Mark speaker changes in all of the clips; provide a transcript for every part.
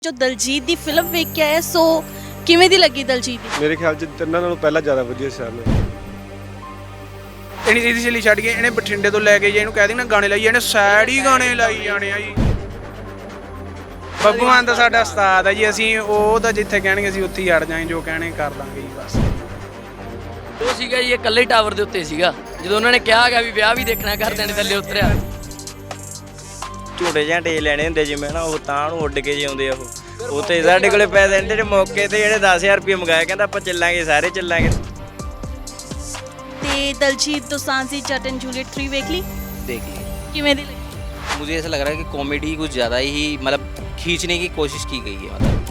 Speaker 1: ਜੋ ਦਲਜੀਤ ਦੀ ਫਿਲਮ ਵੇਖ ਕੇ ਆਏ ਸੋ ਕਿਵੇਂ ਦੀ ਲੱਗੀ ਦਲਜੀਤ ਦੀ?
Speaker 2: ਮੇਰੇ ਖਿਆਲ 'ਚ ਤਿੰਨਾਂ ਨਾਲੋਂ ਪਹਿਲਾਂ ਜ਼ਿਆਦਾ ਵਧੀਆ ਸੀ ਸਾਰਿਆਂ ਨਾਲੋਂ।
Speaker 3: ਇਹਨੀ ਸੀधी ਛੱਲੀ ਛੱਡ ਕੇ ਇਹਨੇ ਬਠਿੰਡੇ ਤੋਂ ਲੈ ਕੇ ਜੇ ਇਹਨੂੰ ਕਹਿ ਦੇਣਾ ਗਾਣੇ ਲਾਈ ਇਹਨੇ ਸੈਡ ਹੀ ਗਾਣੇ ਲਾਈ ਜਾਣੇ ਆ ਜੀ। ਬੱਬੂ ਮਾਨ ਤਾਂ ਸਾਡਾ ਉਸਤਾਦ ਹੈ ਜੀ, ਅਸੀਂ ਉਹ ਤਾਂ ਜਿੱਥੇ ਕਹਿਣਗੇ ਅਸੀਂ ਉੱਥੇ ਹੀ ਅੜ ਜਾਾਂਗੇ, ਜੋ ਕਹਿਣੇ ਕਰ ਲਾਂਗੇ ਜੀ ਬਸ।
Speaker 4: ਉਹ ਸੀਗਾ ਜੀ ਇਹ ਇਕੱਲੇ ਟਾਵਰ ਦੇ ਉੱਤੇ ਸੀਗਾ ਜਦੋਂ ਉਹਨਾਂ ਨੇ ਕਿਹਾ ਗਿਆ ਵੀ ਵਿਆਹ ਵੀ ਦੇਖਣਾ ਘਰਦਿਆਂ ਨੇ ਥੱਲੇ ਉਤਰਿਆ।
Speaker 5: ਝੂਟੇ ਝਾਂਟੇ ਲੈਣੇ ਹੁੰਦੇ ਜਿਵੇਂ ਨਾ ਉਹ ਤਾਂ ਨੂੰ ਉੱਡ ਕੇ ਜਿਉਂਦੇ ਆ ਉਹ ਤੇ ਸਾਡੇ ਕੋਲੇ ਪੈਸੇ ਇੰਨੇ ਦੇ ਮੌਕੇ ਤੇ ਜਿਹੜੇ 10000 ਰੁਪਏ ਮੰਗਾਇਆ ਕਹਿੰਦਾ ਆਪਾਂ ਚੱਲਾਂਗੇ ਸਾਰੇ ਚੱਲਾਂਗੇ।
Speaker 1: ਤੇ ਦਲਜੀਤ ਦੋਸਾਂਝ ਦੀ ਜੱਟ ਐਂਡ ਜੂਲੀਅਟ 3 ਵੇਖ ਲਈ?
Speaker 6: देख ली।
Speaker 1: ਕਿਵੇਂ ਦੀ ਲੱਗੀ?
Speaker 6: मुझे ऐसा लग रहा है कि कॉमेडी कुछ ज़्यादा ही मतलब खींचने की कोशिश की गई है। मतलब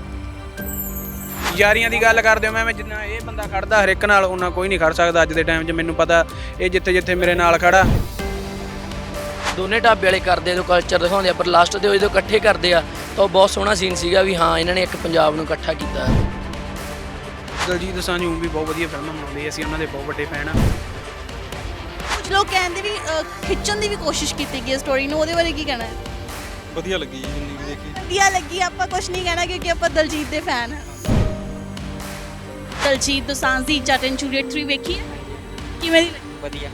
Speaker 3: ਯਾਰੀਆਂ ਦੀ ਗੱਲ ਕਰਦੇ ਹੋ ਮੈਂ ਜਿੰਨਾ ਇਹ ਬੰਦਾ ਖੜਦਾ ਹਰ ਇੱਕ ਨਾਲ ਉਹਨਾਂ ਕੋਈ ਨਹੀਂ ਖੜ ਸਕਦਾ ਅੱਜ ਦੇ ਟਾਈਮ 'ਚ। ਮੈਨੂੰ ਪਤਾ ਇਹ ਜਿੱਥੇ ਜਿੱਥੇ ਮੇਰੇ ਨਾਲ ਖੜਾ।
Speaker 4: ਦੋਨੇ ਢਾਬੇ ਵਾਲੇ ਕਰਦੇ ਆ ਜੋ ਕਲਚਰ ਦਿਖਾਉਂਦੇ ਆ ਪਰ ਲਾਸਟ ਤੇ ਉਹ ਜਦੋਂ ਇਕੱਠੇ ਕਰਦੇ ਆ ਤਾਂ ਉਹ ਬਹੁਤ ਸੋਹਣਾ ਸੀਨ ਸੀਗਾ ਵੀ ਹਾਂ ਇਹਨਾਂ ਨੇ ਇੱਕ ਪੰਜਾਬ ਨੂੰ ਇਕੱਠਾ ਕੀਤਾ।
Speaker 3: ਦਲਜੀਤ ਦੋਸਾਂਝ ਵੀ ਬਹੁਤ ਵਧੀਆ ਫਿਲਮਾਂ ਬਣਾਉਂਦੇ, ਅਸੀਂ ਉਹਨਾਂ ਦੇ ਬਹੁਤ ਵੱਡੇ ਫੈਨ ਆ।
Speaker 1: ਕੁਝ ਲੋਕ ਕਹਿੰਦੇ ਵੀ ਖਿੱਚਣ ਦੀ ਵੀ ਕੋਸ਼ਿਸ਼ ਕੀਤੀ ਗਈ ਸਟੋਰੀ ਨੂੰ, ਉਹਦੇ ਬਾਰੇ ਕੀ ਕਹਿਣਾ ਹੈ?
Speaker 2: ਵਧੀਆ ਲੱਗੀ ਜੀ ਜਿੰਨੀ ਵੀ ਦੇਖੀ।
Speaker 1: ਵਧੀਆ ਲੱਗੀ, ਆਪਾਂ ਕੁਝ ਨਹੀਂ ਕਹਿਣਾ ਕਿਉਂਕਿ ਆਪਾਂ ਦਲਜੀਤ ਦੇ ਫੈਨ ਹਾਂ। ਦਲਜੀਤ ਦੋਸਾਂਝ ਦੀ ਜੱਟ ਐਂਡ ਜੂਲੀਅਟ 3 ਵੇਖੀ ਹੈ? ਕਿਵੇਂ ਦੀ ਲੱਗੀ?
Speaker 5: ਵਧੀਆ।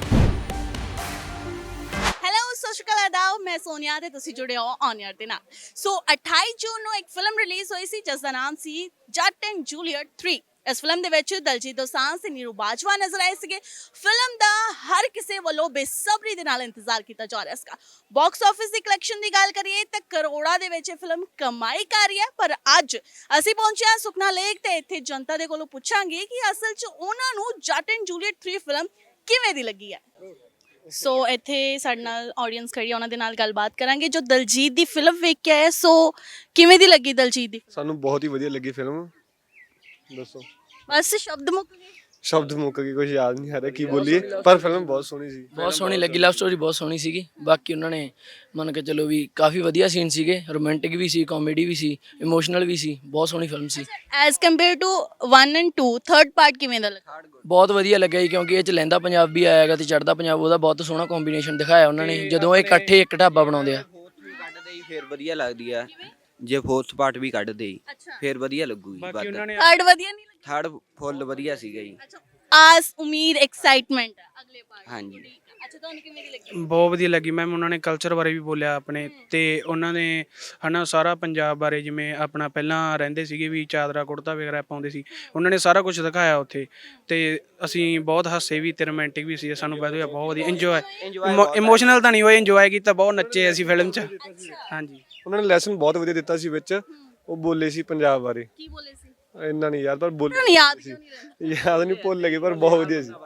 Speaker 1: ਹੈਲੋ ਸਤਿ ਸ਼੍ਰੀ ਅਕਾਲ ਆਦਾਬ, ਮੈਂ ਸੋਨੀਆ ਤੇ ਤੁਸੀਂ ਜੁੜੇ ਹੋ ਔਨ 에ਅਰ ਦੇ ਨਾਲ। ਸੋ 28 ਜੂਨ ਨੂੰ ਇੱਕ ਫਿਲਮ ਰਿਲੀਜ਼ ਹੋਈ ਸੀ ਜਿਸ ਦਾ ਨਾਮ ਸੀ ਜੱਟ ਐਂਡ ਜੂਲੀਅਟ 3। ਇਸ ਫਿਲਮ ਦੇ ਵਿੱਚ ਦਲਜੀਤ ਦੋਸਾਂਝ ਤੇ ਨੀਰੂ ਬਾਜਵਾ ਨਜ਼ਰ ਆਏ ਸੀਗੇ। ਫਿਲਮ ਦਾ ਹਰ ਕਿਸੇ ਵੱਲੋਂ ਬੇਸਬਰੀ ਦੇ ਨਾਲ ਇੰਤਜ਼ਾਰ ਕੀਤਾ ਜਾ ਰਿਹਾ ਸੀਗਾ। ਬਾਕਸ ਆਫਿਸ ਦੀ ਕਲੈਕਸ਼ਨ ਦੀ ਗੱਲ ਕਰੀਏ ਤਾਂ ਕਰੋੜਾਂ ਦੇ ਵਿੱਚ ਇਹ ਫਿਲਮ ਕਮਾਈ ਕਰ ਰਹੀ ਹੈ। ਪਰ ਅੱਜ ਅਸੀਂ ਪਹੁੰਚੇ ਹਾਂ ਸੁਖਨਾ ਲੇਕ ਤੇ ਇੱਥੇ ਜਨਤਾ ਦੇ ਕੋਲੋਂ ਪੁੱਛਾਂਗੇ ਕਿ ਅਸਲ 'ਚ ਉਹਨਾਂ ਨੂੰ ਜੱਟ ਐਂਡ ਜੂਲੀਅਟ 3 ਫਿਲਮ ਕਿਵੇਂ ਦੀ ਲੱਗੀ ਹੈ। ਸੋ ਇੱਥੇ ਸਾਡੇ ਨਾਲ ਆਡੀਅנס ਖੜੀ ਹੈ, ਉਹਨਾਂ ਦੇ ਨਾਲ ਗੱਲਬਾਤ ਕਰਾਂਗੇ ਜੋ ਦਲਜੀਤ ਦੀ ਫਿਲਮ ਵੇਖ ਕੇ ਆਏ। ਸੋ ਕਿਵੇਂ ਦੀ ਲੱਗੀ ਦਲਜੀਤ ਦੀ?
Speaker 2: ਸਾਨੂੰ ਬਹੁਤ ਹੀ ਵਧੀਆ ਲੱਗੀ ਫਿਲਮ। ਦੱਸੋ।
Speaker 1: ਬਸ ਸ਼ਬਦ ਮੁੱਕ ਗਏ।
Speaker 2: ਸ਼ਬਦ ਮੁੱਕ ਗਏ, ਕੁਝ ਯਾਦ ਨਹੀਂ ਆ ਰਿਹਾ ਕੀ ਬੋਲੀਏ, ਪਰ ਫਿਲਮ ਬਹੁਤ ਸੋਹਣੀ ਸੀ।
Speaker 4: ਬਹੁਤ ਸੋਹਣੀ ਲੱਗੀ, ਲਵ ਸਟੋਰੀ ਬਹੁਤ ਸੋਹਣੀ ਸੀਗੀ। ਬਾਕੀ ਉਹਨਾਂ ਨੇ ਮੰਨ ਕੇ ਚਲੋ ਵੀ ਕਾਫੀ ਵਧੀਆ ਸੀਨ ਸੀਗੇ, ਰੋਮਾਂਟਿਕ ਵੀ ਸੀ, ਕਾਮੇਡੀ ਵੀ ਸੀ, ਇਮੋਸ਼ਨਲ ਵੀ ਸੀ। ਬਹੁਤ ਸੋਹਣੀ ਫਿਲਮ ਸੀ।
Speaker 1: As compare to 1 and 2 third part ਕਿਵੇਂ ਦਾ ਲੱਗਾ?
Speaker 4: ਬਹੁਤ ਵਧੀਆ ਲੱਗਿਆ ਜੀ ਕਿਉਂਕਿ ਇਹ ਚ ਲਹਿੰਦਾ ਪੰਜਾਬ ਵੀ ਆਇਆਗਾ ਤੇ ਚੜ੍ਹਦਾ ਪੰਜਾਬ, ਉਹਦਾ ਬਹੁਤ ਸੋਹਣਾ ਕੰਬੀਨੇਸ਼ਨ ਦਿਖਾਇਆ ਉਹਨਾਂ ਨੇ ਜਦੋਂ ਇਹ ਇਕੱਠੇ ਇੱਕ ਢਾਬਾ ਬਣਾਉਂਦੇ ਆ।
Speaker 6: ਕੱਢਦੇ ਹੀ ਫਿਰ ਵਧੀਆ ਲੱਗਦੀ ਆ ਜੇ ਫੋਰਥ ਪਾਰਟ ਵੀ ਕੱਢਦੇ ਹੀ ਫਿਰ ਵਧੀਆ ਲੱਗੂਗੀ।
Speaker 3: ਬਾਕੀ ਉਹਨਾਂ ਨੇ
Speaker 1: ਥਰਡ ਵਧੀਆ ਨਹੀਂ ਲੱਗਾ?
Speaker 6: ਥਰਡ ਫੁੱਲ ਵਧੀਆ ਸੀਗਾ ਜੀ।
Speaker 1: ਅੱਛਾ, ਆਸ ਉਮੀਦ ਐਕਸਾਈਟਮੈਂਟ ਅਗਲੇ ਪਾਰਟ।
Speaker 6: ਹਾਂਜੀ।
Speaker 1: ਅੱਛਾ, ਤੁਹਾਨੂੰ ਕਿਵੇਂ ਦੀ ਲੱਗੀ?
Speaker 3: ਬਹੁਤ ਵਧੀਆ ਲੱਗੀ ਮੈਮ। ਉਹਨਾਂ ਨੇ ਕਲਚਰ ਬਾਰੇ ਵੀ ਬੋਲਿਆ ਆਪਣੇ ਤੇ ਉਹਨਾਂ ਨੇ ਹਨਾ ਸਾਰਾ ਪੰਜਾਬ ਬਾਰੇ, ਜਿਵੇਂ ਆਪਣਾ ਪਹਿਲਾਂ ਰਹਿੰਦੇ ਸੀਗੇ ਵੀ ਚਾਦਰਾ ਕੁੜਤਾ ਵਗੈਰਾ ਪਾਉਂਦੇ ਸੀ, ਉਹਨਾਂ ਨੇ ਸਾਰਾ ਕੁਝ ਦਿਖਾਇਆ ਉੱਥੇ ਤੇ ਅਸੀਂ ਬਹੁਤ ਹਾਸੇ ਵੀ ਤੇ ਰੋਮਾਂਟਿਕ ਵੀ ਸੀ। ਸਾਨੂੰ ਵਧੀਆ, ਬਹੁਤ ਵਧੀਆ ਇੰਜੋਏ, ਇਮੋਸ਼ਨਲ ਤਾਂ ਨਹੀਂ ਹੋਏ, ਇੰਜੋਏ ਕੀਤਾ, ਬਹੁਤ ਨੱਚੇ ਅਸੀਂ ਫਿਲਮ 'ਚ। ਹਾਂਜੀ,
Speaker 2: ਉਹਨਾਂ ਨੇ ਲੈਸਨ ਬਹੁਤ ਵਧੀਆ ਦਿੱਤਾ ਸੀ ਵਿੱਚ। ਉਹ ਬੋਲੇ ਸੀ ਪੰਜਾਬ ਬਾਰੇ।
Speaker 1: ਕੀ ਬੋਲੇ ਸੀ?
Speaker 2: ਇੰਨਾ ਨਹੀਂ ਯਾਰ, ਪਰ ਬੋਲੇ
Speaker 1: ਤੁਹਾਨੂੰ ਯਾਦ ਕਿਉਂ ਨਹੀਂ ਰਹਿੰਦਾ?
Speaker 2: ਯਾਦ ਨਹੀਂ, ਭੁੱਲ ਗਏ, ਪਰ ਬਹੁਤ ਵਧੀਆ ਸੀ।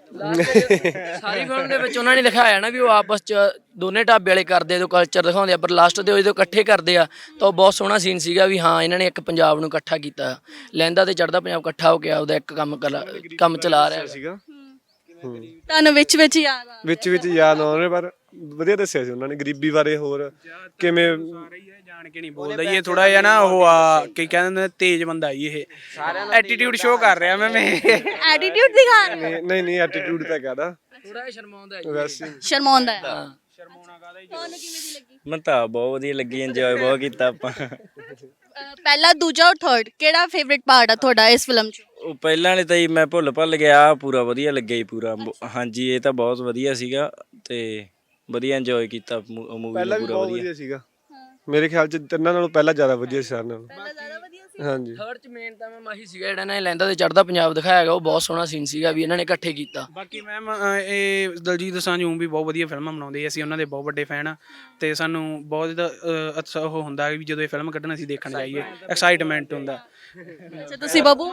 Speaker 4: ਸਾਰੀ ਫਿਲਮ ਦੇ ਵਿੱਚ ਉਹਨਾਂ ਨੇ ਦਿਖਾਇਆ ਨਾ ਵੀ ਉਹ ਆਪਸ ਚ ਦੋਨੇ ਢਾਬੇ ਵਾਲੇ ਕਰਦੇ ਆ ਜੋ ਕਲਚਰ ਦਿਖਾਉਂਦੇ ਆ ਪਰ ਲਾਸਟ ਤੇ ਉਹ ਜਦੋਂ ਇਕੱਠੇ ਕਰਦੇ ਆ ਤਾਂ ਉਹ ਬਹੁਤ ਸੋਹਣਾ ਸੀਨ ਸੀਗਾ ਵੀ ਹਾਂ ਇਹਨਾਂ ਨੇ ਇੱਕ ਪੰਜਾਬ ਨੂੰ ਇਕੱਠਾ ਕੀਤਾ। ਲਹਿੰਦਾ ਤੇ ਚੜ੍ਹਦਾ ਪੰਜਾਬ ਇਕੱਠਾ ਹੋ ਗਿਆ, ਉਹਦਾ ਇੱਕ ਕੰਮ ਚਲਾ ਰਿਹਾ
Speaker 2: ਸੀਗਾ।
Speaker 1: ਤੁਹਾਨੂੰ ਵਿੱਚ ਵਿੱਚ ਯਾਦ ਆ?
Speaker 2: ਵਿੱਚ ਯਾਦ ਆਉਣ ਰਹੇ, ਪਰ ਵਧੀਆ ਦੱਸਿਆ ਸੀ ਉਹਨਾਂ ਨੇ ਗਰੀਬੀ ਬਾਰੇ, ਹੋਰ ਕਿਵੇਂ
Speaker 3: ਜਾਣ ਕੇ ਨਹੀਂ ਬੋਲਦਾ ਜੀ ਇਹ, ਥੋੜਾ ਜਿਹਾ ਨਾ ਉਹ ਆ ਕੀ ਕਹਿੰਦੇ ਨੇ ਤੇਜ਼ ਬੰਦਾ ਜੀ ਇਹ, ਐਟੀਟਿਊਡ ਸ਼ੋ ਕਰ ਰਿਹਾ ਮੈਂ
Speaker 1: ਐਟੀਟਿਊਡ ਦਿਖਾ ਰਿਹਾ?
Speaker 2: ਨਹੀਂ ਐਟੀਟਿਊਡ ਤਾਂ ਕਹਦਾ,
Speaker 4: ਥੋੜਾ ਜਿਹਾ ਸ਼ਰਮਾਉਂਦਾ
Speaker 2: ਵੈਸੇ
Speaker 1: ਸ਼ਰਮਾਉਂਦਾ ਹੈ।
Speaker 3: ਸ਼ਰਮਾਉਣਾ ਕਾਹਦਾ ਜੀ।
Speaker 1: ਤੁਹਾਨੂੰ ਕਿਵੇਂ ਦੀ ਲੱਗੀ?
Speaker 5: ਮੈਨੂੰ ਤਾਂ ਬਹੁਤ ਵਧੀਆ ਲੱਗੀ, ਇੰਜੋਏ ਬਹੁਤ ਕੀਤਾ ਆਪਾਂ।
Speaker 1: ਪਹਿਲਾ, ਦੂਜਾ ਔਰ ਥਰਡ ਕਿਹੜਾ ਫੇਵਰਿਟ ਪਾਰਟ ਆ ਤੁਹਾਡਾ ਇਸ ਫਿਲਮ 'ਚ?
Speaker 5: ਉਹ ਪਹਿਲਾਂ ਵਾਲੇ ਤਾਂ ਜੀ ਮੈਂ ਭੁੱਲ ਗਿਆ, ਪੂਰਾ ਵਧੀਆ ਲੱਗਿਆ ਜੀ ਪੂਰਾ। ਹਾਂਜੀ, ਇਹ ਤਾਂ ਬਹੁਤ ਵਧੀਆ ਸੀਗਾ ਤੇ ਵਧੀਆ ਇੰਜੋਏ ਕੀਤਾ ਮੂਵੀ
Speaker 2: ਪਹਿਲਾਂ ਵੀ
Speaker 5: ਪੂਰਾ
Speaker 2: ਬਹੁਤ
Speaker 5: ਵਧੀਆ।
Speaker 2: ਵਧੀਆ ਸੀਗਾ। ਮੇਰੇ ਖਿਆਲ 'ਚ ਤਿੰਨਾਂ ਨਾਲੋਂ ਪਹਿਲਾਂ ਜ਼ਿਆਦਾ ਵਧੀਆ ਸੀ ਸਾਰਿਆਂ ਨਾਲੋਂ।
Speaker 1: ਪਹਿਲਾ ਜ਼ਿਆਦਾ ਵਧੀਆ ਸੀ।
Speaker 2: ਹਾਂਜੀ।
Speaker 4: ਥਰਡ ਚ ਮੇਨ ਤਾਂ ਮੈਂ ਆਹੀ ਸੀਗਾ ਜਿਹੜਾ ਇਹਨਾਂ ਨੇ ਲਹਿੰਦਾ ਤੇ ਚੜ੍ਹਦਾ ਪੰਜਾਬ ਦਿਖਾਇਆ ਗਾ, ਉਹ ਬਹੁਤ ਸੋਹਣਾ ਸੀਨ ਸੀਗਾ ਵੀ ਇਹਨਾਂ ਨੇ ਇਕੱਠੇ ਕੀਤਾ।
Speaker 3: ਬਾਕੀ ਮੈਮ ਇਹ ਦਲਜੀਤ ਦੋਸਾਂਝ ਵੀ ਬਹੁਤ ਵਧੀਆ ਫਿਲਮਾਂ ਬਣਾਉਂਦੇ, ਅਸੀਂ ਉਹਨਾਂ ਦੇ ਬਹੁਤ ਵੱਡੇ ਫੈਨ ਆ ਤੇ ਸਾਨੂੰ ਬਹੁਤ ਅੱਛਾ ਉਹ ਹੁੰਦਾ ਵੀ ਜਦੋਂ ਇਹ ਫਿਲਮ ਕੱਢਣ ਅਸੀਂ ਦੇਖਣ ਜਾਈਏ, ਐਕਸਾਈਟਮੈਂਟ ਹੁੰਦਾ।
Speaker 1: ਅੱਛਾ, ਤੁਸੀਂ ਬੱਬੂ?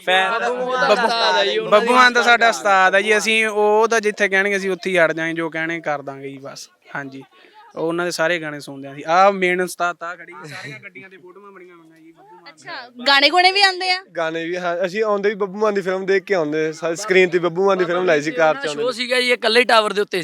Speaker 3: ਬੱਬੂ ਮਾਨ ਤਾਂ ਸਾਡਾ ਉਸਤਾਦ ਹੈ ਜੀ, ਅਸੀਂ ਉਹ ਤਾਂ ਜਿੱਥੇ ਕਹਿਣਗੇ ਅਸੀਂ ਉੱਥੇ ਹੀ ਅੜ ਜਾਾਂਗੇ, ਜੋ ਕਹਿਣੇ ਕਰ ਦਾਂਗੇ ਜੀ ਬਸ। ਹਾਂਜੀ, ਉਹਨਾਂ ਦੇ ਸਾਰੇ ਗਾਣੇ ਸੁਣਦੇ ਆ ਅਸੀਂ। ਆਹ ਮੇਨ ਉਸਤਾਦ ਤਾਂ ਖੜੀ, ਸਾਰੀਆਂ ਗੱਡੀਆਂ ਤੇ ਫੋਟੋਆਂ ਬਣੀਆਂ ਹੋਈਆਂ ਜੀ ਬੱਬੂ ਮਾਨ।
Speaker 1: ਅੱਛਾ, ਗਾਣੇ ਗੁਣੇ ਵੀ ਆਉਂਦੇ ਆ?
Speaker 2: ਗਾਣੇ ਵੀ, ਹਾਂ, ਅਸੀਂ ਆਉਂਦੇ ਵੀ ਬੱਬੂ ਮਾਨ ਦੀ ਫਿਲਮ ਦੇਖ ਕੇ ਆਉਂਦੇ। ਸਕਰੀਨ ਤੇ ਬੱਬੂ ਮਾਨ ਦੀ ਫਿਲਮ ਲਾਈ ਸੀ ਕਾਰ 'ਚ ਆਉਂਦੇ।
Speaker 4: ਸ਼ੋਅ ਸੀਗਾ ਜੀ ਇਹ ਇਕੱਲੇ ਟਾਵਰ ਦੇ ਉੱਤੇ ਸੀਗਾ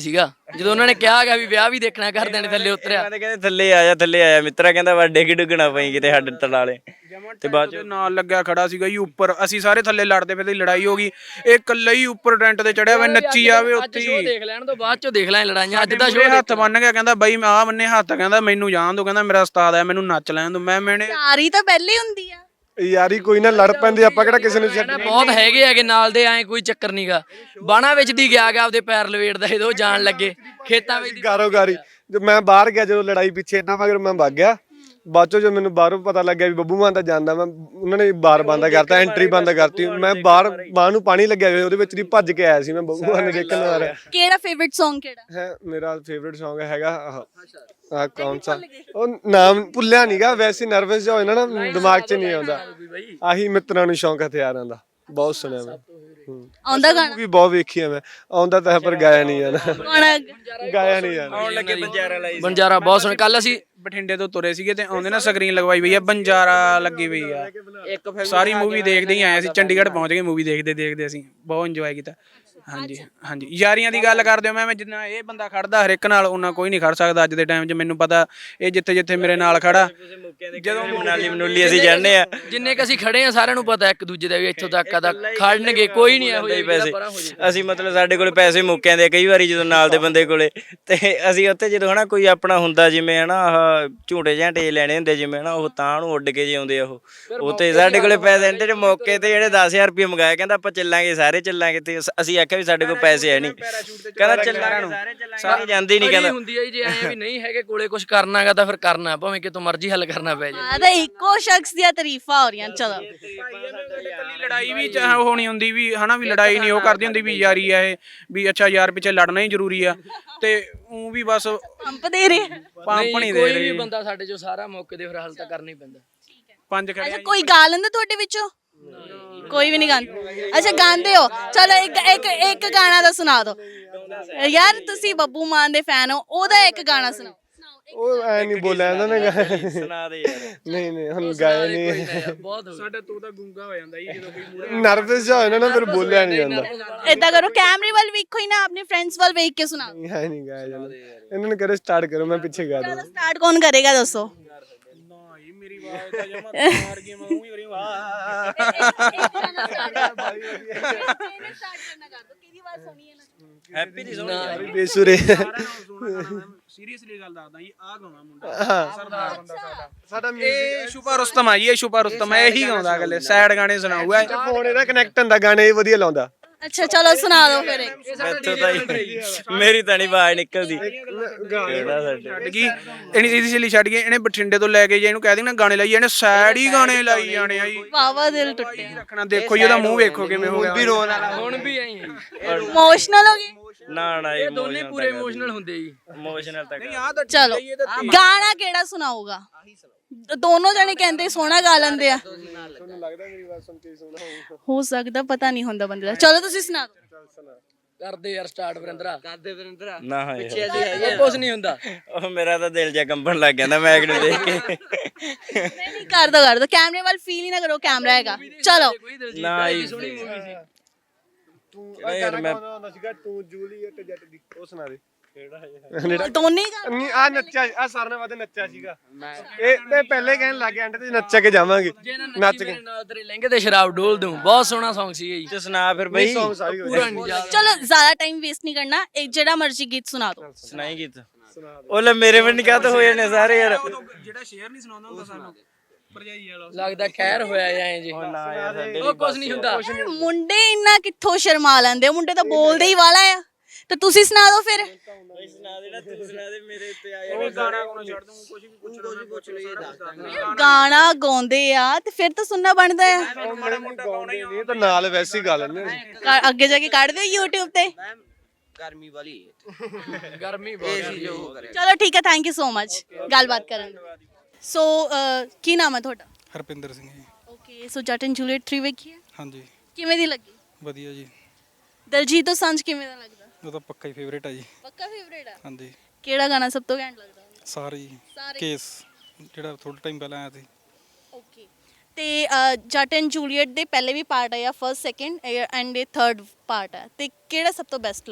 Speaker 4: ਜਦੋਂ ਉਹਨਾਂ ਨੇ ਕਿਹਾ ਗਿਆ ਵੀ ਵਿਆਹ ਵੀ ਦੇਖਣਾ ਘਰਦਿਆਂ ਨੇ ਥੱਲੇ ਉਤਰਿਆ।
Speaker 5: ਇਹਨਾਂ ਦੇ ਕਹਿੰਦੇ ਥੱਲੇ ਆ ਜਾ ਮਿੱਤਰਾ, ਕਹਿੰਦਾ ਵੱਡੇ ਕੀ ਡੁੱਗਣਾ ਪਈ ਕਿਤੇ ਸਾਡੇ ਤਲਾਲੇ। ਤੇ ਬਾਅਦ
Speaker 3: ਉਹਦੇ ਨਾਲ ਲੱਗਿਆ ਖੜਾ ਸੀਗਾ ਜੀ ਉੱਪਰ, ਅਸੀਂ ਸਾਰੇ ਥੱਲੇ ਲੜਦੇ ਪਏ ਤੇ ਲੜਾਈ ਹੋ ਗਈ, ਇਹ ਇਕੱਲਾ ਹੀ ਉੱਪਰ ਟੈਂਟ ਤੇ ਚੜਿਆ ਹੋਇਆ ਨੱਚੀ ਜਾਵੇ ਉੱਥੇ
Speaker 4: ਸ਼ੋਅ
Speaker 3: ਹੀ।
Speaker 4: ਦੇਖ ਲੈਣ ਤੋਂ ਬਾਅਦ ਚੋਂ ਦੇਖ ਲਾਂ ਲੜਾਈਆਂ, ਅੱਜ ਦਾ
Speaker 3: ਮੂਹਰੇ
Speaker 4: ਸ਼ੋਅ
Speaker 3: ਹੱਥ ਬੰਨ ਗਿਆ, ਕਹਿੰਦਾ ਬਈ ਆਹ ਬੰਨੇ ਹੱਥ, ਕਹਿੰਦਾ ਮੈਨੂੰ ਜਾਣ ਦੋ, ਕਹਿੰਦਾ ਮੇਰਾ ਉਸਤਾਦ ਹੈ ਮੈਨੂੰ ਨੱਚ ਲੈਣ ਦੋ। ਮੈਨੇ
Speaker 1: ਯਾਰੀ ਤਾਂ ਪਹਿਲੇ ਹੀ ਹੁੰਦੀ ਆ।
Speaker 2: ਯਾਰੀ ਕੋਈ ਨਾ ਲੜ ਪੈਂਦੀ, ਆਪਾਂ ਕਿਹੜਾ ਕਿਸੇ ਨੂੰ ਛੱਡ।
Speaker 4: ਬਹੁਤ ਹੈਗੇ ਹੈਗੇ ਨਾਲ ਦੇ, ਐ ਕੋਈ ਚੱਕਰ ਨਹੀਂਗਾ। ਬਾਣਾ ਵਿੱਚ ਦੀ ਗਿਆ ਆਪਦੇ ਪੈਰ ਲਵੇੜਦਾ ਜਦੋਂ ਜਾਣ ਲੱਗੇ ਖੇਤਾਂ ਵਿੱਚ।
Speaker 2: ਗਾਰੋ-ਗਾਰੀ ਜੋ ਮੈਂ ਬਾਹਰ ਗਿਆ, ਜਦੋਂ ਲੜਾਈ ਪਿੱਛੇ ਇਹਨਾਂ ਮਗਰ ਮੈਂ ਭੱਗ ਗਿਆ। ਬਾਅਦ ਚੋਂ ਜੋ ਮੈਨੂੰ ਬਾਹਰੋਂ ਪਤਾ ਲੱਗਿਆ ਵੀ ਬੱਬੂ ਮਾਨ ਤਾਂ ਜਾਂਦਾ, ਮੈਂ ਉਹਨਾਂ ਨੇ ਬਾਰ ਬੰਦ ਕਰਤਾ, ਐਂਟਰੀ ਬੰਦ ਕਰਤੀ। ਮੈਂ ਬਾਹਰ ਬਾਹ ਨੂੰ ਪਾਣੀ ਲੱਗਿਆ ਹੋਇਆ, ਉਹਦੇ ਵਿੱਚ ਦੀ ਭੱਜ ਕੇ ਆਇਆ ਸੀ ਮੈਂ ਬੱਬੂ ਮਾਨ ਨੂੰ ਦੇਖਣ ਆ ਰਿਹਾ।
Speaker 1: ਕਿਹੜਾ ਫੇਵਰਿਟ Song ਕਿਹੜਾ
Speaker 2: ਹੈ ਮੇਰਾ ਫੇਵਰਿਟ Song ਹੈਗਾ ਆਹ ਕੌਣ ਸਾ, ਉਹ ਨਾਮ ਭੁੱਲਿਆ ਨੀਗਾ, ਵੈਸੇ ਨਰਵਸ ਜਿਹਾ ਹੋ ਜਾਂਦਾ ਨਾ, ਦਿਮਾਗ 'ਚ ਨਹੀਂ ਆਉਂਦਾ। ਆਹੀ ਮਿੱਤਰਾਂ ਨੂੰ ਸ਼ੌਂਕ ਹਥਿਆਰਾਂ ਦਾ, ਬਹੁਤ ਸੁਣਿਆ ਮੈਂ।
Speaker 1: ਆਉਂਦਾ ਗਾਣਾ
Speaker 2: ਵੀ ਬਹੁਤ ਵੇਖੀ ਆ ਮੈਂ, ਆਉਂਦਾ ਤਾਂ ਹੈ ਪਰ ਗਾਇਆ ਨਹੀਂ ਜਾਣਾ,
Speaker 1: ਗਾਣਾ
Speaker 2: ਗਾਇਆ ਨਹੀਂ ਜਾਣਾ।
Speaker 5: ਆਉਣ ਲੱਗੇ ਬੰਜਾਰਾ ਲਾਈ
Speaker 4: ਬੰਜਾਰਾ ਬਹੁਤ ਸੁਣ। ਕੱਲ ਅਸੀਂ
Speaker 3: ਬਠਿੰਡੇ ਤੋਂ ਤੁਰੇ ਸੀਗੇ ਤੇ ਆਉਂਦੇ ਨਾ ਸਕਰੀਨ ਲਗਵਾਈ ਪਈ ਆ, ਬੰਜਾਰਾ ਲੱਗੀ ਪਈ ਆ। ਸਾਰੀ ਮੂਵੀ ਦੇਖਦੇ ਹੀ ਆਏ ਅਸੀਂ, ਚੰਡੀਗੜ੍ਹ ਪਹੁੰਚ ਗਏ ਮੂਵੀ ਦੇਖਦੇ ਅਸੀਂ ਬਹੁਤ ਇੰਜੋਏ ਕੀਤਾ। ਹਾਂਜੀ ਯਾਰੀਆਂ ਦੀ ਗੱਲ ਕਰਦੇ ਹੋ, ਮੈਂ ਜਿੰਨਾ ਇਹ ਬੰਦਾ ਖੜਦਾ ਹਰ ਇੱਕ ਨਾਲ, ਉਹਨਾਂ ਕੋਈ ਨਹੀਂ ਖੜ ਸਕਦਾ ਅੱਜ ਦੇ ਟਾਈਮ 'ਚ। ਮੈਨੂੰ ਪਤਾ ਇਹ ਜਿੱਥੇ ਮੇਰੇ ਨਾਲ ਖੜਾ,
Speaker 5: ਜਦੋਂ ਮਨਾਲੀ ਅਸੀਂ ਜਾਣਦੇ ਆ,
Speaker 4: ਜਿੰਨੇ ਕ ਅਸੀਂ ਖੜੇ ਆ ਸਾਰਿਆਂ ਨੂੰ ਪਤਾ ਇੱਕ ਦੂਜੇ ਦਾ ਵੀ ਇੱਥੋਂ ਤੱਕ ਆ ਤਾਂ ਖੜਨਗੇ, ਕੋਈ ਨਹੀਂ ਇਹੋ
Speaker 5: ਪੈਸੇ ਅਸੀਂ ਮਤਲਬ ਸਾਡੇ ਕੋਲੇ ਪੈਸੇ ਮੁੱਕ ਜਾਂਦੇ ਕਈ ਵਾਰੀ ਜਦੋਂ ਨਾਲ ਦੇ ਬੰਦੇ ਕੋਲੇ, ਤੇ ਅਸੀਂ ਉੱਥੇ ਜਦੋਂ ਹਨਾ ਕੋਈ ਆਪਣਾ ਹੁੰਦਾ ਜਿਵੇਂ ਹਨਾ ਆਹ ਝੂਟੇ ਝਾਂਟੇ ਲੈਣੇ ਹੁੰਦੇ ਜਿਵੇਂ ਹਨਾ, ਉਹ ਤਾਂ ਨੂੰ ਉੱਡ ਕੇ ਜੇ ਆਉਂਦੇ ਆ ਉਹ ਤੇ ਸਾਡੇ ਕੋਲੇ ਪੈਸੇ ਜਿਹੜੇ ਮੌਕੇ ਤੇ ਜਿਹੜੇ 10,000 ਰੁਪਏ ਮੰਗਾਏ, ਕਹਿੰਦਾ ਆਪਾਂ ਚੱਲਾਂਗੇ ਸਾਰੇ ਚੱਲਾਂਗੇ, ਤੇ ਅਸੀਂ ਆਖਿਆ ਵੀ ਸਾਡੇ ਕੋਲ ਪੈਸੇ ਹੈ ਨਹੀਂ, ਕਹਿੰਦਾ ਚੱਲਾਂਗੇ ਸਾਰੇ ਜਾਂਦੇ ਹੀ ਨਹੀਂ, ਕਹਿੰਦਾ
Speaker 4: ਹੁੰਦੀ ਹੈ ਜੀ ਐ ਵੀ ਨਹੀਂ ਹੈਗੇ ਕੋਲੇ ਕੁਝ ਕਰਨਾਗਾ ਤਾਂ ਫਿਰ ਕਰਨਾ, ਭਾਵੇਂ ਕਿਤੋਂ ਮਰਜ਼ੀ ਹੱਲ ਕਰਨਾ ਪੈ ਜਾਏ।
Speaker 1: ਆ ਤਾਂ ਇੱਕੋ ਸ਼ਖਸ ਦੀਆਂ ਤਾਰੀਫਾਂ ਹੋ ਰਹੀਆਂ। ਚਲੋ
Speaker 3: ਲੜਾਈ ਵੀ ਹੋਣੀ ਹੁੰਦੀ ਵੀ ਹਨਾ, ਵੀ ਲੜਾਈ ਨਹੀਂ ਉਹ ਕਰਦੀ ਹੁੰਦੀ ਵੀ ਯਾਰੀ ਆ ਇਹ, ਵੀ ਅੱਛਾ ਯਾਰ ਪਿੱਛੇ ਲੜਨਾ ਹੀ ਜ਼ਰੂਰੀ ਆ, ਤੇ ਉਹ ਵੀ ਬਸ
Speaker 1: ਪੰਪ ਦੇ ਰਹੇ
Speaker 3: ਪੰਪ ਨਹੀਂ ਦੇ
Speaker 4: ਕੋਈ
Speaker 3: ਰਹੀ।
Speaker 4: ਵੀ ਬੰਦਾ ਸਾਡੇ ਚੋਂ ਸਾਰਾ ਮੌਕੇ ਦੇ ਫਿਰ ਹੱਲ ਤਾਂ ਕਰਨਾ ਹੀ ਪੈਂਦਾ।
Speaker 3: ਪੰਜ ਖੜੇ
Speaker 1: ਅੱਛਾ ਕੋਈ ਗਾ ਲੈਂਦਾ ਤੁਹਾਡੇ ਵਿੱਚੋਂ? ਕੋਈ ਵੀ ਨਹੀਂ ਗਾਉਂਦਾ। ਅੱਛਾ ਗਾਉਂਦੇ ਹੋ, ਚਲੋ ਇੱਕ ਗਾਣਾ ਤਾਂ ਸੁਣਾ ਦਿਓ ਯਾਰ, ਤੁਸੀਂ ਬੱਬੂ ਮਾਨ ਦੇ ਫੈਨ ਹੋ, ਉਹਦਾ ਇੱਕ ਗਾਣਾ ਸੁਣਾਓ।
Speaker 2: ਉਹ ਐ ਨਹੀਂ ਬੋਲਿਆ ਇਹਨਾਂ ਨੇ,
Speaker 5: ਸੁਣਾ ਦੇ ਯਾਰ।
Speaker 2: ਨਹੀਂ ਹੁਣ ਗਾਇਆ ਨਹੀਂ।
Speaker 4: ਬਹੁਤ
Speaker 3: ਸਾਡਾ ਤੂੰ ਤਾਂ ਗੁੰਗਾ ਹੋ ਜਾਂਦਾ ਜੀ ਜਦੋਂ ਕੋਈ
Speaker 2: ਨਰਵਸ ਜਿਹਾ ਹੋਇਆ ਨਾ, ਫਿਰ ਬੋਲਿਆ ਨਹੀਂ ਜਾਂਦਾ।
Speaker 1: ਏਦਾਂ ਕਰੋ, ਕੈਮਰੇ ਵੱਲ ਵੇਖੋ ਹੀ ਨਾ, ਆਪਣੇ ਫਰੈਂਡਸ ਵੱਲ ਵੇਖ ਕੇ ਸੁਣਾਓ।
Speaker 2: ਹੈ ਨਹੀਂ ਗਾਇਆ ਜਾਂਦਾ, ਇਹਨਾਂ ਨੂੰ ਕਰੋ ਸਟਾਰਟ ਕਰੋ, ਮੈਂ ਪਿੱਛੇ ਗਾ
Speaker 1: ਚਲੋ
Speaker 2: ਦੂੰ।
Speaker 1: ਸਟਾਰਟ ਕੌਣ ਕਰੇਗਾ ਦੱਸੋ?
Speaker 3: ਮੇਰੀ ਆਵਾਜ਼ ਤਾਂ ਜਮਾ ਮਾਰ ਗਈ, ਮੈਂ ਉਹੀ ਕਰੀ ਵਾਹ।
Speaker 5: ਹੈਪੀ ਦੀ ਸੁਣੀ
Speaker 2: ਬੇਸੁਰੇ
Speaker 3: ਸੀਰੀਅਸਲੀ ਗੱਲ ਦੱਸਦਾ ਜੀ, ਆਹ ਗਾਉਣਾ ਮੁੰਡਾ ਸਰਦਾਰ ਬੰਦਾ
Speaker 2: ਸਾਡਾ
Speaker 3: ਇਹ ਸ਼ੁਭਾ ਰੁਸਤਮ ਆ ਜੀ, ਇਹ ਸ਼ੁਭਾ ਰੁਸਤਮ ਹੈ, ਇਹੀ ਗਾਉਂਦਾ ਅਗਲੇ ਸੈਡ ਗਾਣੇ ਸੁਣਾਊਗਾ।
Speaker 2: ਫੋਨ ਇਹਦਾ ਕਨੈਕਟ ਹੁੰਦਾ, ਗਾਣੇ ਇਹ ਵਧੀਆ ਲਾਉਂਦਾ।
Speaker 1: ਅੱਛਾ ਚਲੋ ਸੁਣਾ ਦਿਓ ਫਿਰ ਇੱਕ।
Speaker 5: ਮੈਥੋਂ ਤਾਂ ਮੇਰੀ ਤਾਂ ਨਹੀਂ ਆਵਾਜ਼ ਨਿਕਲਦੀ। ਕਿਹੜਾ ਸਾਡੇ
Speaker 3: ਛੱਡ ਗਈ ਇਹਨੇ, ਸੀਰੀਅਸਲੀ ਛੱਡ ਗਈ ਇਹਨੇ, ਬਠਿੰਡੇ ਤੋਂ ਲੈ ਕੇ ਜੇ ਇਹਨੂੰ ਕਹਿ ਦੇਣਾ ਗਾਣੇ ਲਾਈ, ਇਹਨੇ ਸੈਡ ਹੀ ਗਾਣੇ ਲਾਈ ਜਾਣੇ ਆ ਜੀ।
Speaker 1: ਵਾਵਾ ਦਿਲ ਟੁੱਟਿਆ,
Speaker 3: ਰੱਖਣਾ ਦੇਖੋ ਜੀ ਉਹਦਾ ਮੂੰਹ ਵੇਖੋ ਕਿਵੇਂ ਹੋ ਗਿਆ।
Speaker 2: ਵੀ ਰੋਣ ਵਾਲਾ
Speaker 4: ਹੁਣ ਵੀ ਆਈ
Speaker 1: ਇਮੋਸ਼ਨਲ ਹੋ ਗਏ।
Speaker 5: ਨਾ
Speaker 4: ਇਹ ਦੋਨੇ ਪੂਰੇ ਇਮੋਸ਼ਨਲ ਹੁੰਦੇ ਜੀ।
Speaker 5: ਇਮੋਸ਼ਨਲ ਤੱਕ
Speaker 1: ਚਲੋ ਗਾਣਾ ਕਿਹੜਾ ਸੁਣਾਊਗਾ? ਦੋਨੋਂ ਜਣੇ ਕਹਿੰਦੇ ਸੋਹਣਾ ਗਾ ਲੈਂਦੇ ਆ,
Speaker 2: ਤੁਹਾਨੂੰ ਲੱਗਦਾ ਮੇਰੀ ਆਵਾਜ਼ ਸੁਣ ਕੇ ਸੋਹਣਾ ਹੋਊਗਾ?
Speaker 1: ਹੋ ਸਕਦਾ, ਪਤਾ ਨਹੀਂ ਹੁੰਦਾ ਬੰਦੇ ਦਾ। ਚਲੋ ਤੁਸੀਂ ਸੁਣਾ ਦਿਓ।
Speaker 4: ਕਰਦੇ ਯਾਰ ਸਟਾਰਟ ਵਰਿੰਦਰਾ, ਕਰਦੇ ਵਰਿੰਦਰਾ।
Speaker 5: ਨਾ
Speaker 4: ਉਹ ਕੁਝ ਨਹੀਂ ਹੁੰਦਾ।
Speaker 5: ਉਹ ਮੇਰਾ ਤਾਂ ਦਿਲ ਜਿਹਾ ਕੰਬਣ ਲੱਗ ਜਾਂਦਾ ਮੈਗ ਨੂੰ ਦੇਖ ਕੇ।
Speaker 1: ਨਹੀਂ ਕਰ ਦੋ ਕੈਮਰੇ ਵੱਲ ਫੀਲ ਹੀ ਨਾ ਕਰੋ, ਕੈਮਰਾ ਹੈਗਾ। ਚਲੋ
Speaker 5: ਨਾ ਹੀ
Speaker 4: ਸੋਹਣੀ ਮੂਵੀ ਸੀ।
Speaker 2: ਤੂੰ ਯਾਰ ਮੈਂ ਹੁੰਦਾ ਸੀਗਾ, ਤੂੰ ਜੂਲੀਅਟ ਜੱਟ ਦੀ, ਉਹ ਸੁਣਾ ਦੇ ਕਿਹੜਾ
Speaker 1: ਦੋਨੇ ਹੀ ਗਾ-
Speaker 2: ਨਹੀਂ ਆ ਨੱਚਿਆ, ਆ ਸਾਰਿਆਂ ਨਾਲੋਂ ਵੱਧ ਨੱਚਿਆ ਸੀਗਾ ਇਹ, ਤੇ ਪਹਿਲੇ ਕਹਿਣ ਲੱਗ ਗਿਆ ਐਂਡ ਤੇ ਨੱਚ ਕੇ ਜਾਵਾਂਗੇ, ਨੱਚ ਕੇ।
Speaker 4: ਮੇਰੇ ਨਾਲ ਤੇਰੇ ਲਹਿੰਗੇ ਤੇ ਸ਼ਰਾਬ ਡੋਲ ਦੂੰ, ਬਹੁਤ ਸੋਹਣਾ Song ਸੀ ਜੀ।
Speaker 5: ਤੇ ਸੁਣਾ ਫਿਰ ਬਈ,
Speaker 2: Song ਸਾਰੀ ਹੋ
Speaker 4: ਪੂਰਾ ਨਹੀਂ ਯਾਦ।
Speaker 1: ਚਲੋ ਜ਼ਿਆਦਾ ਟਾਈਮ ਵੇਸਟ ਨਹੀਂ ਕਰਨਾ, ਇੱਕ ਜਿਹੜਾ ਮਰਜ਼ੀ ਗੀਤ ਸੁਣਾ ਦਿਓ।
Speaker 5: ਸੁਣਾਈ ਗੀਤ। ਉਹ ਲੈ ਮੇਰੇ ਵੀ ਨਿਕਾਹ ਤੋਂ ਹੋ ਜਾਣੇ ਸਾਰੇ ਯਾਰ।
Speaker 3: ਜਿਹੜਾ ਸ਼ੇਅਰ ਨਹੀਂ ਸੁਣਾਉਂਦਾ ਹੁੰਦਾ ਸਾਨੂੰ ਭਰਜਾਈ ਵਾਲਾ,
Speaker 4: ਲੱਗਦਾ ਖੈਰ ਹੋਇਆ ਐ ਜੀ।
Speaker 5: ਨਾ ਯਾਰ ਸਾਡੇ
Speaker 4: ਉਹ ਕੁਝ ਨਹੀਂ ਹੁੰਦਾ।
Speaker 1: ਮੁੰਡੇ ਇੰਨਾ ਕਿੱਥੋਂ ਸ਼ਰਮਾ ਲੈਂਦੇ, ਮੁੰਡੇ ਤਾਂ ਬੋਲਦੇ ਹੀ ਵਾਲਾ ਆ, ਤੇ ਤੁਸੀਂ ਸੁਣਾ ਦਿਓ ਫਿਰ।
Speaker 5: ਸੁਣਾ ਦੇਣਾ, ਤੂੰ ਸੁਣਾ ਦੇ, ਮੇਰੇ ਉੱਤੇ ਆ
Speaker 3: ਉਹ ਗਾਣਾ ਕੋਲ ਛੱਡ ਦੂੰ, ਕੁਝ ਵੀ ਪੁੱਛਣਾ
Speaker 1: ਗਾਣਾ ਗਾਉਂਦੇ ਆ ਤੇ ਫਿਰ ਤਾਂ ਸੁਣਨਾ ਬਣਦਾ ਆ।
Speaker 2: ਨਹੀਂ ਤਾਂ ਨਾਲ ਵੈਸੇ ਹੀ ਗਾ ਲੈਂਦੇ ਨੇ।
Speaker 1: ਅੱਗੇ ਜਾ ਕੇ ਕੱਢ ਦਿਓ YouTube ਤੇ।
Speaker 6: ਗਰਮੀ ਵਾਲੀ
Speaker 4: ਗਰਮੀ ਬਹੁਤ
Speaker 6: ਏਸੀ ਜੋ ਕਰੇ।
Speaker 1: ਚਲੋ ਠੀਕ ਹੈ, ਥੈਂਕ ਯੂ ਸੋ ਮਚ ਗੱਲਬਾਤ ਕਰਨ ਲਈ। ਸੋ ਕੀ ਨਾਮ ਹੈ ਤੁਹਾਡਾ?
Speaker 7: ਹਰਪਿੰਦਰ ਸਿੰਘ ਜੀ।
Speaker 1: ਓਕੇ, ਸੋ ਜੱਟ ਐਂਡ ਜੂਲੀਅਟ 3 ਵੇਖੀ ਹੈ,
Speaker 7: ਹਾਂਜੀ
Speaker 1: ਕਿਵੇਂ ਦੀ ਲੱਗੀ?
Speaker 7: ਵਧੀਆ ਜੀ,
Speaker 1: ਦਲਜੀਤ ਦੋਸਾਂਝ ਕਿਵੇਂ ਦਾ ਲੱਗਦਾ?
Speaker 7: ਉਹ ਤਾਂ ਪੱਕਾ ਹੀ ਫੇਵਰੇਟ ਆ ਜੀ।
Speaker 1: ਪੱਕਾ ਫੇਵਰੇਟ ਆ।
Speaker 7: ਹਾਂਜੀ
Speaker 1: ਕਿਹੜਾ ਗਾਣਾ ਸਭ ਤੋਂ ਘੈਂਟ ਲੱਗਦਾ?
Speaker 7: ਸਾਰੇ ਜੀ।
Speaker 1: ਸਾਰੇ।
Speaker 7: ਕੇਸ ਜਿਹੜਾ ਥੋੜਾ ਟਾਈਮ ਪਹਿਲਾਂ ਆਇਆ ਸੀ।
Speaker 1: ਓਕੇ, ਤੇ ਜੱਟ ਐਂਡ ਜੂਲੀਅਟ ਦੇ ਪਹਿਲੇ ਵੀ ਪਾਰਟ ਆਇਆ, ਫਰਸਟ ਸੈਕਿੰਡ ਐਂਡ ਇਹ ਥਰਡ ਪਾਰਟ ਹੈ, ਤੇ ਕਿਹੜਾ ਸਭ ਤੋਂ ਬੈਸਟ ਲੱਗਾ?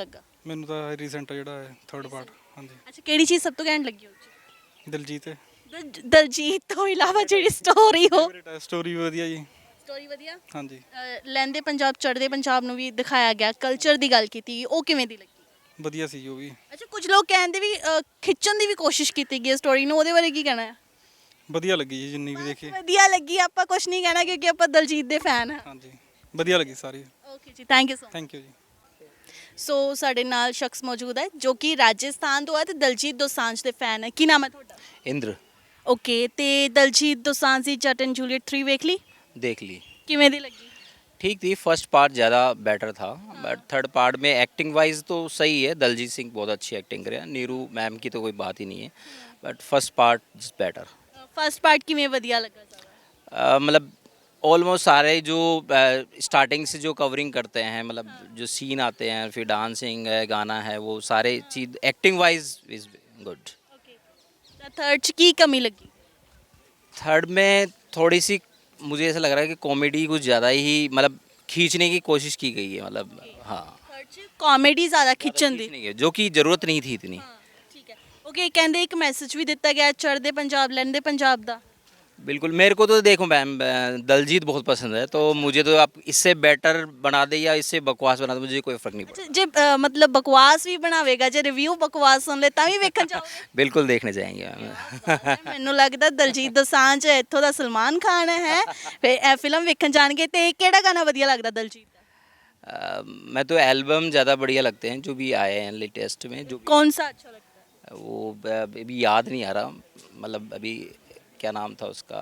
Speaker 7: ਮੈਨੂੰ ਤਾਂ ਰੀਸੈਂਟ ਜਿਹੜਾ ਹੈ ਥਰਡ ਪਾਰਟ ਹਾਂਜੀ
Speaker 1: ਅੱਛਾ ਕਿਹੜੀ ਚੀਜ਼ ਸਭ ਤੋਂ ਘੈਂਟ ਲੱਗੀ ਉਹ 'ਚ?
Speaker 7: ਦਿਲਜੀਤ ਹੈ
Speaker 1: ਦਲਜੀਤ ਤੋਂ ਇਲਾਵਾ ਜਿਹੜੀ ਸਟੋਰੀ ਹੋ
Speaker 7: ਫੇਵਰੇਟ ਹੈ ਸਟੋਰੀ ਵਧੀਆ ਜੀ
Speaker 1: ਸਟੋਰੀ ਵਧੀਆ।
Speaker 7: ਹਾਂਜੀ
Speaker 1: ਲਹਿੰਦੇ ਪੰਜਾਬ ਚੜ੍ਹਦੇ ਪੰਜਾਬ ਨੂੰ ਵੀ ਦਿਖਾਇਆ ਗਿਆ, ਕਲਚਰ ਦੀ ਗੱਲ ਕੀਤੀ, ਉਹ ਕਿਵੇਂ ਦੀ ਲੱਗੀ?
Speaker 7: ਵਧੀਆ ਸੀ ਉਹ ਵੀ
Speaker 1: ਅੱਛਾ ਕੁਝ ਲੋਕ ਕਹਿੰਦੇ ਵੀ ਖਿੱਚਣ ਦੀ ਵੀ ਕੋਸ਼ਿਸ਼ ਕੀਤੀ ਗਈ ਸਟੋਰੀ ਨੂੰ, ਉਹਦੇ ਬਾਰੇ ਕੀ ਕਹਿਣਾ ਹੈ?
Speaker 7: ਵਧੀਆ ਲੱਗੀ ਜੀ ਜਿੰਨੀ ਵੀ ਦੇਖੀ
Speaker 1: ਵਧੀਆ ਲੱਗੀ, ਆਪਾਂ ਕੁਝ ਨਹੀਂ ਕਹਿਣਾ ਕਿਉਂਕਿ ਆਪਾਂ ਦਲਜੀਤ ਦੇ ਫੈਨ ਹਾਂ।
Speaker 7: ਹਾਂਜੀ ਵਧੀਆ ਲੱਗੀ ਸਾਰੀ
Speaker 1: ਓਕੇ ਜੀ, thank you so much.
Speaker 7: Thank you ਜੀ
Speaker 1: ਸੋ ਸਾਡੇ ਨਾਲ ਸ਼ਖਸ ਮੌਜੂਦ ਹੈ ਜੋ ਕਿ ਰਾਜਸਥਾਨ ਤੋਂ ਹੈ ਤੇ ਦਲਜੀਤ ਦੋਸਾਂਝ ਦੇ ਫੈਨ ਹੈ। ਕੀ ਨਾਮ ਹੈ ਤੁਹਾਡਾ?
Speaker 8: इंद्र
Speaker 1: ਓਕੇ, ਤੇ ਦਲਜੀਤ ਦੋਸਾਂਝ ਦੀ ਜੱਟ ਐਂਡ ਜੂਲੀਅਟ 3 ਵੇਖ ਲਈ,
Speaker 8: देख ली
Speaker 1: ਕਿਵੇਂ ਦੀ ਲੱਗੀ?
Speaker 8: ठीक थी फर्स्ट पार्ट ज़्यादा बेटर था बट थर्ड पार्ट में एक्टिंग वाइज तो सही है दलजीत सिंह बहुत अच्छी एक्टिंग करे नीरू मैम की तो कोई बात ही नहीं है but first part is better
Speaker 1: first part ਕਿਵੇਂ ਵਧੀਆ ਲੱਗਾ ਜ਼ਿਆਦਾ?
Speaker 8: मतलब ऑलमोस्ट सारे जो स्टार्टिंग से जो कवरिंग करते हैं मतलब जो सीन आते हैं फिर डांसिंग है गाना है वो सारे चीज़ acting wise is good
Speaker 1: okay, ਤਾਂ ਥਰਡ 'ਚ ਕੀ ਕਮੀ ਲੱਗੀ?
Speaker 8: थर्ड में थोड़ी सी मुझे ऐसा लग रहा है कि कॉमेडी कुछ ज़्यादा ही मतलब खींचने की कोशिश की गई है मतलब हाँ
Speaker 1: ਥਰਡ 'ਚ ਕਾਮੇਡੀ ਜ਼ਿਆਦਾ ਖਿੱਚਣ ਦੀ।
Speaker 8: खींचने की जो कि ज़रूरत नहीं थी इतनी
Speaker 1: ਠੀਕ ਹੈ, ਓਕੇ, ਕਹਿੰਦੇ ਇੱਕ ਮੈਸੇਜ ਵੀ ਦਿੱਤਾ ਗਿਆ ਚੜ੍ਹਦੇ ਪੰਜਾਬ ਲਹਿੰਦੇ ਪੰਜਾਬ ਦਾ।
Speaker 8: बिल्कुल मेरे को तो देखो मैम दलजीत बहुत पसंद है तो मुझे तो आप इससे बेटर बना दे या इससे बकवास बना दे मुझे कोई फ़र्क नहीं पड़ता
Speaker 1: ਅੱਛਾ, ਜੇ ਮਤਲਬ ਬਕਵਾਸ ਵੀ ਬਣਾਵੇਗਾ, ਜੇ ਰਿਵਿਊ ਬਕਵਾਸ ਸੁਣ ਲੈ ਤਾਂ ਵੀ ਵੇਖਣ ਜਾਓਗੇ?
Speaker 8: बिल्कुल देखने जाएंगे मैम
Speaker 1: ਮੈਨੂੰ ਲੱਗਦਾ ਦਲਜੀਤ ਦੋਸਾਂਝ ਇੱਥੋਂ ਦਾ ਸਲਮਾਨ ਖਾਨ ਹੈ, ਫਿਰ ਇਹ ਫਿਲਮ ਵੇਖਣ ਜਾਣਗੇ। ਤੇ ਕਿਹੜਾ ਗਾਣਾ ਵਧੀਆ ਲੱਗਦਾ ਦਲਜੀਤ ਦਾ?
Speaker 8: मैं तो एल्बम ज़्यादा बढ़िया लगते हैं जो भी आए हैं लेटेस्ट में जो
Speaker 1: कौन सा अच्छा लगता है?
Speaker 8: वो अभी याद नहीं आ रहा मतलब अभी क्या नाम था उसका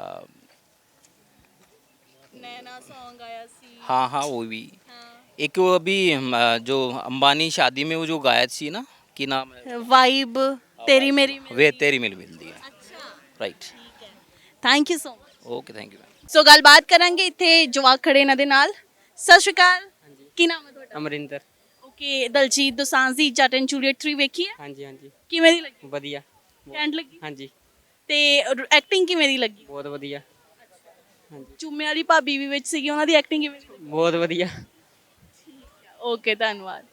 Speaker 1: नैना सॉन्ग आया सी।
Speaker 8: हाँ हाँ वो भी
Speaker 1: हाँ।
Speaker 8: एक वो अभी जो अंबानी शादी में वो जो गायक थी ना की नाम है
Speaker 1: वाइब तेरी मेरी
Speaker 8: वे तेरी मिल मिलती है
Speaker 1: अच्छा,
Speaker 8: right
Speaker 1: thank you so much.
Speaker 8: Okay thank you ma'am
Speaker 1: so ਗੱਲਬਾਤ ਕਰਾਂਗੇ, ਇੱਥੇ ਜਵਾਕ ਖੜੇ ਇਹਨਾਂ ਦੇ ਨਾਲ। ਸਤਿ ਸ਼੍ਰੀ ਅਕਾਲ, ਕੀ ਨਾਮ ਹੈ ਤੁਹਾਡਾ?
Speaker 9: ਅਮਰਿੰਦਰ
Speaker 1: ਓਕੇ, ਦਲਜੀਤ ਦੋਸਾਂਝ ਦੀ ਜੱਟ ਐਂਡ ਜੂਲੀਅਟ 3 ਵੇਖੀ ਹੈ,
Speaker 9: ਹਾਂਜੀ ਹਾਂਜੀ
Speaker 1: ਕਿਵੇਂ ਦੀ ਲੱਗੀ?
Speaker 9: ਵਧੀਆ
Speaker 1: ਕੈਂਟ ਲੱਗੀ?
Speaker 9: ਹਾਂਜੀ
Speaker 1: ਤੇ ਐਕਟਿੰਗ ਕਿਵੇਂ ਦੀ ਲੱਗੀ?
Speaker 9: ਬਹੁਤ ਵਧੀਆ ਹਾਂਜੀ
Speaker 1: ਚੁੰਮੇ ਵਾਲੀ ਭਾਬੀ ਵੀ ਵਿੱਚ ਸੀਗੀ, ਉਹਨਾਂ ਦੀ ਐਕਟਿੰਗ ਕਿਵੇਂ ਦੀ ਲੱਗੀ?
Speaker 9: ਬਹੁਤ ਵਧੀਆ
Speaker 1: ਓਕੇ, ਧੰਨਵਾਦ।